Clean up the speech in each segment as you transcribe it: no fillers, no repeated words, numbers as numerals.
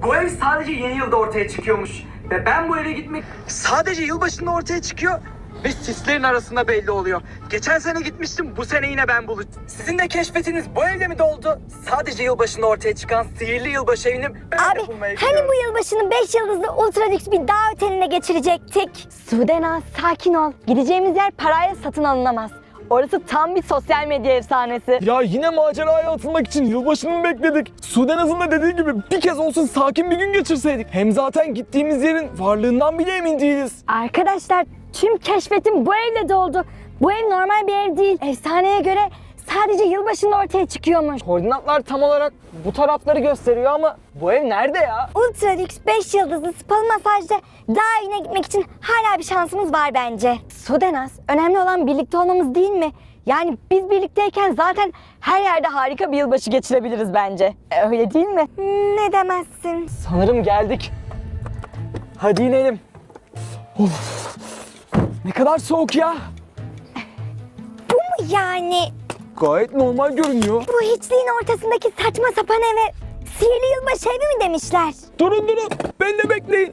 Bu ev sadece yeni yılda ortaya çıkıyormuş. Ve ben bu eve gitmek sadece yılbaşında ortaya çıkıyor. Ve sislerin arasında belli oluyor. Geçen sene gitmiştim, bu sene yine ben bulacağım. Sizin de keşfetiniz bu evde mi doldu? Sadece yılbaşında ortaya çıkan sihirli yılbaşı evini ben de Abi bulmaya hani gidiyorum. bu yılbaşını 5 yıldızlı ultra lüks bir dağ oteline geçirecektik? Sudena sakin ol. Gideceğimiz yer parayla satın alınamaz. Orası tam bir sosyal medya efsanesi. Ya yine maceraya atılmak için yılbaşını mı bekledik? Sudenaz'ın da dediği gibi bir kez olsun sakin bir gün geçirseydik. Hem zaten gittiğimiz yerin varlığından bile emin değiliz. Arkadaşlar tüm keşfetim bu evle doldu. Bu ev normal bir ev değil. Efsaneye göre sadece yılbaşında ortaya çıkıyormuş. Koordinatlar tam olarak bu tarafları gösteriyor ama bu ev nerede ya? Ultra lüks 5 yıldızlı spalı masajda daha evine gitmek için hala bir şansımız var bence. Sudenaz, önemli olan birlikte olmamız değil mi? Yani biz birlikteyken zaten her yerde harika bir yılbaşı geçirebiliriz bence. Öyle değil mi? Ne demezsin? Sanırım geldik. Hadi inelim. Of. Ne kadar soğuk ya. Bu mu yani? Gayet normal görünüyor. Bu hiçliğin ortasındaki saçma sapan eve sihirli yılbaşı evi mi demişler? Durun, beni de bekleyin.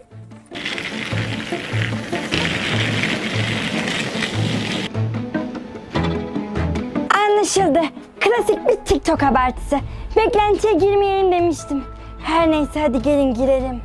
Anlaşıldı. Klasik bir TikTok abartısı. Beklentiye girmeyelim demiştim. Her neyse hadi gelin girelim.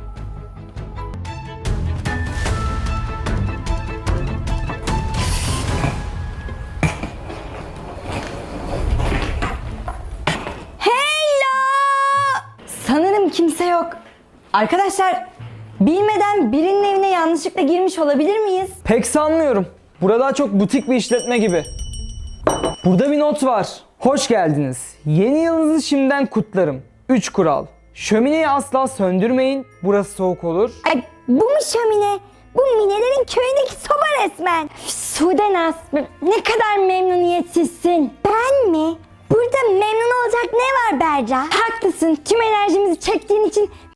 Hello! Sanırım kimse yok. Arkadaşlar, bilmeden birinin evine yanlışlıkla girmiş olabilir miyiz? Pek sanmıyorum. Burada çok butik bir işletme gibi. Burada bir not var. Hoş geldiniz. Yeni yılınızı şimdiden kutlarım. 3 kural. Şömineyi asla söndürmeyin. Burası soğuk olur. Ay, bu mu şömine? Bu Minelerin köyündeki soba resmen. Üf, Sudenaz, ne kadar memnuniyetsizsin. Ben mi? Burada memnun olacak ne var Berca? Haklısın. Tüm enerjimizi çektiğin için